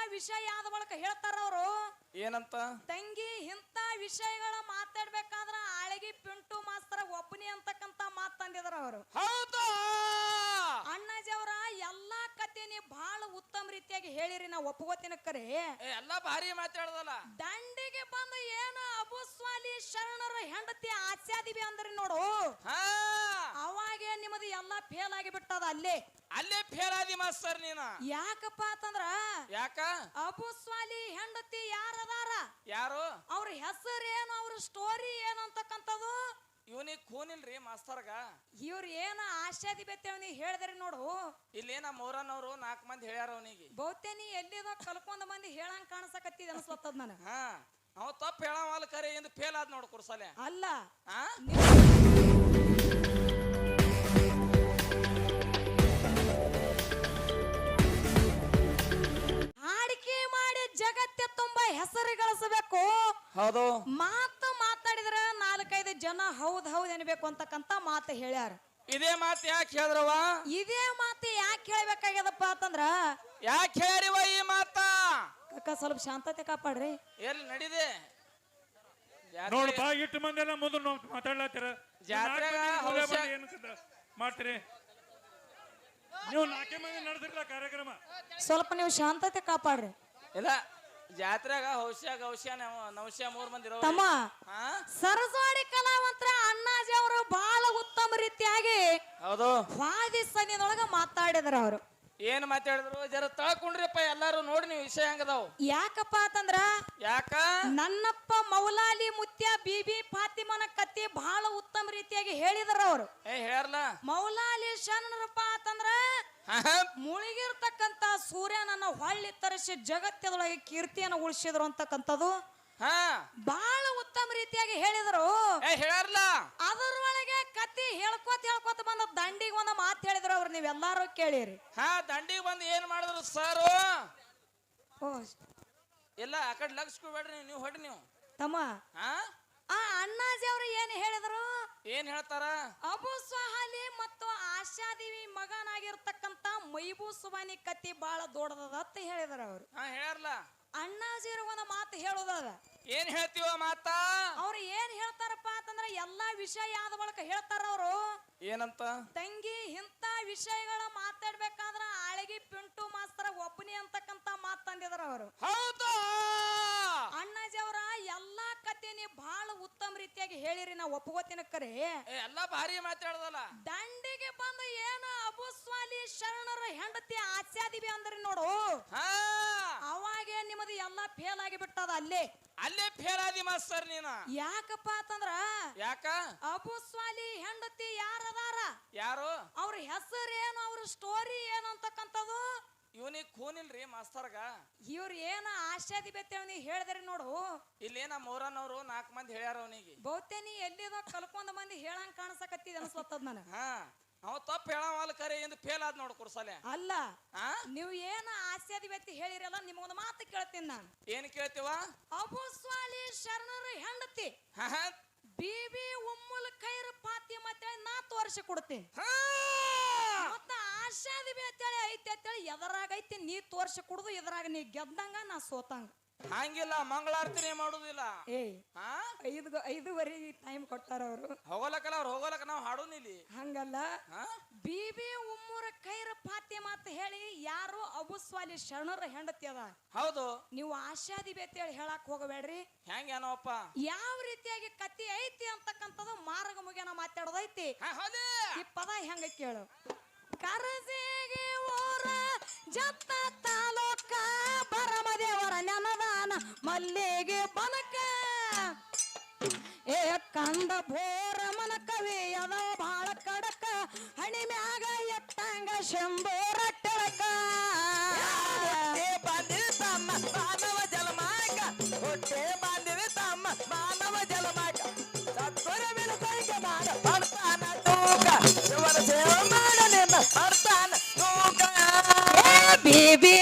ವಿಷಯ ಆದ ಬಳಿಕ ಹೇಳ್ತಾರ ಅವರು ಏನಂತ ತಂಗಿ ಇಂತ ವಿಷಯಗಳ ಮಾತಾಡ್ಬೇಕಾದ್ರ ಆಳಗಿ ಪಿಂಟು ಮಾಸ್ತರ ಒಬ್ಬನಿ ಅಂತಕ್ಕಂತ ಮಾತು ತಂದಿದಾರ ಅವರು. ಹೌದಾ ಅಣ್ಣಾಜಿ ಅವರ ಎಲ್ಲಾ ಕಥೆನಿ ಬಹಳ ಉತ್ತಮ ರೀತಿಯಾಗಿ ಹೇಳಿರಿ, ನಾ ಒಪ್ಪಗೋತಿನ ಕರೆ ಎಲ್ಲಾ ಭಾರಿ ಮಾತಾಡದಲ್ಲ. ದಂಡಿಗೆ ಬಂದು ಏನು ಅಬುಸ್ವಾಲಿ ಶರಣರ ಹೆಂಡತಿ ಆಸ್ಯಾದಿವಿ ಅಂದ್ರಿ ನೋಡು, ಅವಾಗೆ ನಿಮ್ಮದು ಎಲ್ಲಾ ಫೇಲ್ ಆಗಿ ಬಿಟ್ಟದ. ಅಲ್ಲೇ ಫೇಲ್ ಆದಿ ಮಾಸ್ತರ್ ನೀನ. ಯಾಕಪ್ಪ ಅಂತಂದ್ರ ಯಾಕ ಅಬುಸ್ವಾಲಿ ಹೆಂಡತಿ ಯಾರದಾರ, ಯಾರು, ಅವ್ರ ಹೆಸರು ಏನು, ಅವ್ರ ಸ್ಟೋರಿ ಏನು ಅಂತಕ್ಕಂಥದ್ದು ಇವನಿಗೆ ಖೂನಿಲ್ರಿ ಮಾಸ್ತರ್ಗ. ಇವ್ರ ಏನ ಆಶಾದಿ ಬೆತ್ತೇವ್ ಹೇಳಿದ್ರಿ ನೋಡು, ಇಲ್ಲೇನ ಮೌರನವ್ರು 4 ಮಂದಿ ಹೇಳ್ಯಾರ ಅವನಿಗೆ. ಬಹುತೇ ನೀ ಎಲ್ಲಿದ ಕಲ್ಕೊಂಡ್ ಮಂದಿ ಹೇಳಂಗ್ ಕಾಣಿಸಕತ್ತಿದ ಅನ್ಸ್ಲತ್ತದ ನಾನು. ಅವ ತಪ್ಪು ಹೇಳವಲ್ಲ ಕರೆ ಎಂದು ಫೇಲ್ ಆದ್ ನೋಡು ಕುರ್ಸಲೆ ಅಲ್ಲ. ಆಡಿಕೆ ಮಾಡಿ ಜಗತ್ತೆ ತುಂಬಾ ಹೆಸರು ಗಳಿಸಬೇಕು. ಹೌದು, ಮಾತು ಮಾತಾಡಿದ್ರ 4-5 ಜನ ಹೌದ್ ಹೌದ್ ಅನ್ಬೇಕು ಅಂತಕ್ಕಂತ ಮಾತು ಹೇಳ್ಯಾರ. ಇದೇ ಮಾತು ಯಾಕೆ ಹೇಳಿದ್ರವ? ಇದೇ ಮಾತು ಯಾಕೆ ಹೇಳ್ಬೇಕಾಗ್ಯದಪ್ಪ ಅಂತಂದ್ರ ಯಾಕೆ ಹೇಳಿವ ಈ ಮಾತ? ಅಕ್ಕ ಸ್ವಲ್ಪ ಶಾಂತತೆ ಕಾಪಾಡ್ರಿ. ಎಲ್ಲಿ ನಡಿದೆ ನೋಡಪ್ಪ, ಇಟ್ಟು ಮಂದಿ ಎಲ್ಲ ಮುಂದೆ ಮಾತಾಡ್ಲಾತೀರ, ಮಾಡ್ತೀರಿ ನೀವು 4 ಮಂದಿ ನಡೆದಿರ್ಲ ಕಾರ್ಯಕ್ರಮ. ಸ್ವಲ್ಪ ನೀವು ಶಾಂತತೆ ಕಾಪಾಡ್ರಿ. ಇಲ್ಲ ಜಾತ್ರೆಗ ಹೌಶ್ಯ ನವಶ್ಯ 3 ಮಂದಿ ತಮ್ಮ ಸರಸ್ವಾಡಿ ಕಲಾವಂತರ ಅಣ್ಣಾಜಿ ಅವರು ಬಹಳ ಉತ್ತಮ ರೀತಿಯಾಗಿ ಹೌದು ವಾದಿ ಸನ್ನಿದೊಳಗ ಮಾತಾಡಿದ್ರ ಅವರು. ಏನ್ ಮಾತಾಡಿದ್ರು ಜರ ತಳ್ಕೊಂಡ್ರಿಪ್ಪ ಎಲ್ಲಾರು ನೋಡಿ ನೀವು ವಿಷಯ ಹಂಗದಾವ್. ಯಾಕಪ್ಪ ಅಂತಂದ್ರ ಯಾಕ ನನ್ನಪ್ಪ ಮೌಲಾಲಿ ಮುತ್ಯ ಬಿಬಿ ಫಾತಿಮನ ಕತ್ತಿ ಬಹಳ ಉತ್ತಮ ರೀತಿಯಾಗಿ ಹೇಳಿದ್ರ ಅವರು. ಹೇಳ್ಯಾರಲ್ಲ, ಮೌಲಾಲಿ ಶರಣರಪ್ಪ ಅಂತಂದ್ರ ಮುಳುಗಿರ್ತಕ್ಕಂತ ಸೂರ್ಯನನ್ನ ಹೊಳ್ಳಿ ತರಿಸಿ ಜಗತ್ತದೊಳಗೆ ಕೀರ್ತಿಯನ್ನು ಉಳಿಸಿದ್ರು ಅಂತಕ್ಕಂಥದ್ದು ಬಹಳ ಉತ್ತಮ ರೀತಿಯಾಗಿ ಹೇಳಿದ್ರು. ಹೇಳ್ಯಾರಲ್ಲ, ಅದರೊಳಗೆ ಕತ್ತಿ ಹೇಳ್ಕೋತ ಬಂದ ದಂಡಿಗೆ ಒಂದು ಮಾತು ಹೇಳಿದ್ರು ಅವ್ರು, ನೀವೆಲ್ಲಾರು ಕೇಳಿರಿ. ದಂಡಿಗೆ ಬಂದು ಏನ್ ಮಾಡಿದ್ರು ಸರ್? ಇಲ್ಲ ಆ ಕಡೆ ಲಗ್ಸ್ಕೊಬೇಡ್ರಿ, ನೀವು ಹೊಡಿ ನೀವು ತಮ್ಮ. ಅಣ್ಣಾಜಿ ಅವರು ಏನ್ ಹೇಳಿದ್ರು? ಏನ್ ಹೇಳ್ತಾರ? ಅಬು ಸ್ವಹಾಲಿ ಮತ್ತು ಆಶಾದೇವಿ ಮಗನಾಗಿರ್ತಕ್ಕಂತ ಮೈಬೂ ಸುಬಾನಿ ಕತ್ತಿ ಬಹಳ ದೊಡ್ಡದ ಅಂತ ಹೇಳಿದಾರ ಅವರು. ಹೇಳ್ಯಾರಲ್ಲ, ಅಣ್ಣಾಜಿ ಒಂದು ಮಾತು ಹೇಳೋದದ. ಏನ್ ಹೇಳ್ತೀವ ಮಾತ? ಅವ್ರು ಏನ್ ಹೇಳ್ತಾರಪ್ಪ ಅಂತಂದ್ರ ಎಲ್ಲಾ ವಿಷಯ ಆದ ಬಳಿಕ ಹೇಳ್ತಾರ ಅವರು. ಏನಂತ? ತಂಗಿ ಇಂತ ವಿಷಯಗಳ ಮಾತಾಡ್ಬೇಕಾದ್ರ ಆಳಗಿ ಪಿಂಟು ಮಾಸ್ತರ ಒಬ್ಬನಿ ಅಂತಕ್ಕಂತ ಮಾತು ತಂದಿದಾರ ಅವರು. ಹೌದಾ ಅಣ್ಣಾಜಿ ಅವರ ಎಲ್ಲಾ ಕಥೆನಿ ಬಹಳ ಉತ್ತಮ ರೀತಿಯಾಗಿ ಹೇಳಿರಿ, ನಾ ಒಪ್ಪಗೋತಿನ ಕರೆ ಎಲ್ಲಾ ಭಾರಿ ಮಾತಾಡದಲ್ಲ. ದಂಡಿಗೆ ಬಂದು ಏನು ಅಬುಸ್ವಾಲಿ ಶರಣರ ಹೆಂಡತಿ ಆಸ್ಯಾದಿವಿ ಅಂದ್ರಿ ನೋಡು, ಅವಾಗೆ ನಿಮ್ಮದು ಎಲ್ಲಾ ಫೇಲ್ ಆಗಿ ಬಿಟ್ಟದ. ಅಲ್ಲೇ ಫೇಲ್ ಆದಿ ಮಾಸ್ತರ್ ನೀನ. ಯಾಕಪ್ಪ ಅಂತಂದ್ರ ಯಾಕ ಅಬುಸ್ವಾಲಿ ಹೆಂಡತಿ ಯಾರದಾರ, ಯಾರು, ಅವ್ರ ಹೆಸರು ಏನು, ಅವ್ರ ಸ್ಟೋರಿ ಏನು ಅಂತಕ್ಕಂಥದ್ದು ಇವನಿಗೆ ಖೂನಿಲ್ರಿ ಮಾಸ್ತರ್ಗ. ಇವ್ರ ಏನ ಆಶಾದಿ ಬೆತ್ತೇವ್ ಹೇಳಿದ್ರಿ ನೋಡು, ಇಲ್ಲೇನ ಮೌರನವ್ರು 4 ಮಂದಿ ಹೇಳ್ಯಾರ ಅವನಿಗೆ. ಬಹುತೇ ನೀ ಎಲ್ಲಿದ ಕಲ್ಕೊಂಡ್ ಮಂದಿ ಹೇಳಂಗ್ ಕಾಣಿಸಕತ್ತಿದ ಅನ್ಸ್ಲತ್ತದ ನಾನು. ಅವ ತಪ್ಪು ಹೇಳವಲ್ಲ ಕರೆ ಎಂದು ಫೇಲ್ ಆದ್ ನೋಡು ಕುರ್ಸಲೆ ಅಲ್ಲ. ನೀವು ಏನ ಆಸ್ಯಾದಿ ವ್ಯಕ್ತಿ ಹೇಳಿರಲ್ಲ, ನಿಮಗೊಂದು ಮಾತು ಕೇಳ್ತೀನಿ ನಾನು. ಏನ್ ಕೇಳ್ತೀವ? ಅಬುಸ್ವಾಲಿ ಶರಣರ ಹೆಂಡತಿ ಬಿಬಿ ಉಮ್ಮುಲ್ ಖೈರ್ ಫಾತಿಮ ಅಂತೇಳಿ ನಾ ತೋರಿಸಿ ಕೊಡ್ತೀನಿ. ಮತ್ತ ಆಶಾದಿ ಅಂತೇಳಿ ಐತಿ ಅಂತೇಳಿ ಎದರಾಗ ಐತಿ ನೀ ತೋರಿಸಿ ಕೊಡುದು, ಎದರಾಗ ನೀ ಗೆದ್ದಂಗ ನಾ ಸೋತಂಗ. ಹಂಗಿಲ್ಲ, ಮಂಗಳಾರತಿನೇ ಮಾಡುದಿಲ್ಲ. 5:30 ಟೈಮ್ ಕೊಟ್ಟಾರ ಅವರು. ಹೋಗಲಕ್ಕಲ್ಲ, ಅವ್ರು ಹೋಗಲಕ್ಕ ನಾವು ಹಾಡೋನಿಲ್ಲಿ. ಹಂಗಲ್ಲ, ಬಿಬಿ ಉಮ್ಮುರ ಖೈರ್ ಫಾತಿಮ ಅಂತ ಹೇಳಿ ಯಾರು ಅಬುಸ್ವಾಲಿ ಶರಣರ ಹೆಂಡತಿ ಅದ. ಹೌದು, ನೀವು ಆಶಾದಿ ಅಂತೇಳಿ ಹೇಳಕ್ ಹೋಗಬೇಡ್ರಿ. ಹೆಂಗೇನೋಪ್ಪ ಯಾವ ರೀತಿಯಾಗಿ ಕತ್ತಿ ಐತಿ ಅಂತಕ್ಕಂಥದ್ದು ಮಾರ್ಗ ಮುಗಿಯನ ಮಾತಾಡೋದೈತಿ. ಈ ಪದ ಹೆಂಗ ಕೇಳು. ಕರಸೇಗೆ ಓರ ಜತ್ತ ತಾಲೂಕ ಬರಮದೇವರ ನೆನದಾನ ಮಲ್ಲಿಗೆ ಬನಕ ಏ ಕಂದ ಬೋರ ಮನ ಕವಿ ಅದ ಬಾಳ ಕಡಕ ಹಣಿ ಮ್ಯಾಗ ಎತ್ತಂಗ ಶಂಬೋರ ಟಳಕ ಬಾಂಧಿವಿ ತಮ್ಮ ಮಾನವ ಜಲಮಾಕ ಹೊಟ್ಟೆ ಬಾಂಧಿವಿ ತಮ್ಮ ಮಾನವ ಜಲಮಾಕ ಸತ್ವರ ವಿಲಸೈಕ ಮಾಡ ಬರ್ತಾನ ತೂಕ ಇವರ ಸೇವ ಮಾಡ ನಿನ್ನ ಬರ್ತಾನ ತೂಕ ಬೇಬಿ